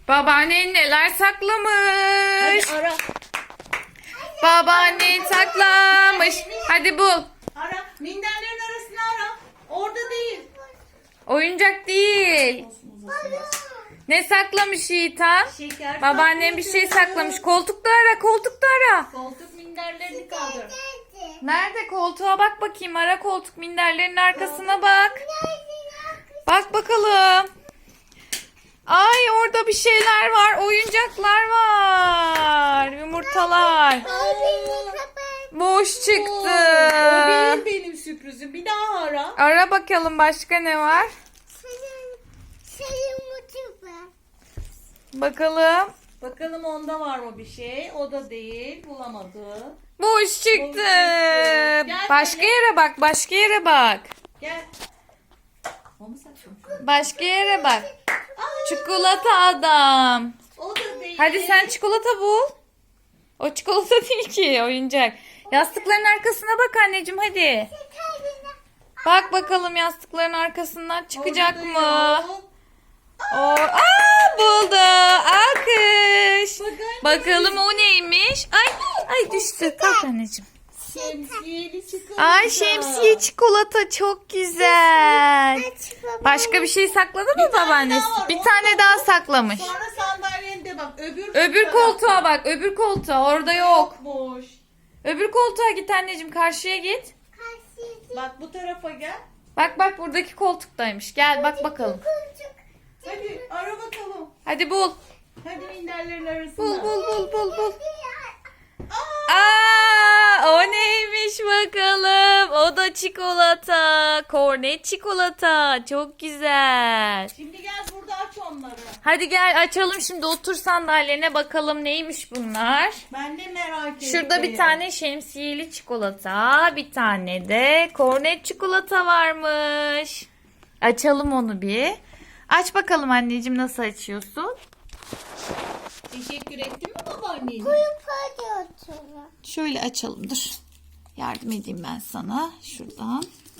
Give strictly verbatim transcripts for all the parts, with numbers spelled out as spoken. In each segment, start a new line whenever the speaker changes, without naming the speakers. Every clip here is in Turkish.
Babaannen neler
Hadi
saklamış?
ara.
Babaannen saklamış. Hadi bul.
Ara. Minderlerin arasını ara. Orada değil.
Oyuncak değil.
Olsun, uzasın.
Ne saklamış Yiğitan?
Şeker.
Babaannem bir şey saklamış. Koltukta ara, koltukta ara.
Koltuk minderlerini kaldır.
Nerede? Koltuğa bak bakayım. Ara koltuk minderlerin arkasına bak. Bak bakalım. Ay orada bir şeyler var. Oyuncaklar var. Yumurtalar. Boş çıktı.
O değil benim sürprizim. Bir daha ara.
Ara bakalım başka ne var? Bakalım.
Bakalım onda var mı bir şey? O da değil. Bulamadı.
Boş çıktı.
çıktı. Gel
Başka
böyle.
yere bak. Başka yere bak.
Gel. O mu saçma?
Başka yere bak. Çikolata adam.
O da değil.
Hadi sen çikolata bul. O çikolata değil ki oyuncak. Yastıkların arkasına bak anneciğim hadi. Bak bakalım yastıkların arkasından çıkacak
Orada
mı?
yok.
O, aa buldu. Alkış.
Bak anne.
Bakalım o neymiş? Ay ay düştü. Kalk anneciğim.
Şemsiyeli çikolata.
Ay şemsiye çikolata çok güzel. Başka bir şey sakladı mı
Bir tane
babaannesi?
daha var,
Bir
onu
tane
da
daha
bul.
saklamış.
Sonra sandalyende bak. Öbür,
Öbür
tarafta
koltuğa bak. Öbür koltuğa. Orada yok.
Boş.
Öbür koltuğa git anneciğim. Karşıya git.
Bak bu tarafa gel.
Bak bak buradaki koltuktaymış. Gel bak bakalım.
Hadi ara bakalım.
Hadi bul.
Hadi minderlerin arasında.
Bul bul bul bul bul.
Aa,
Aa, o neymiş bakalım. O da çikolata. Kornet çikolata. Çok güzel.
şimdi gel burada aç onları.
Hadi gel açalım şimdi. Otur sandalyene bakalım neymiş bunlar.
Ben de merak ettim.
Şurada bir tane şemsiyeli çikolata, bir tane de kornet çikolata varmış. Açalım onu bir. Aç bakalım anneciğim nasıl açıyorsun?
Teşekkür ettin mi babaannene?
Şöyle açalım dur. Yardım edeyim ben sana şuradan.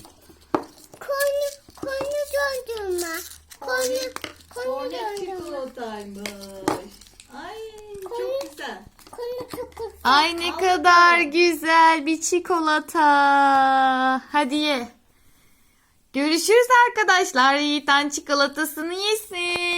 Kornet çikolataymış. Ay çok güzel.
Ay ne kadar güzel bir çikolata. Hadi ye. Görüşürüz arkadaşlar. Yiğitan çikolatasını yesin.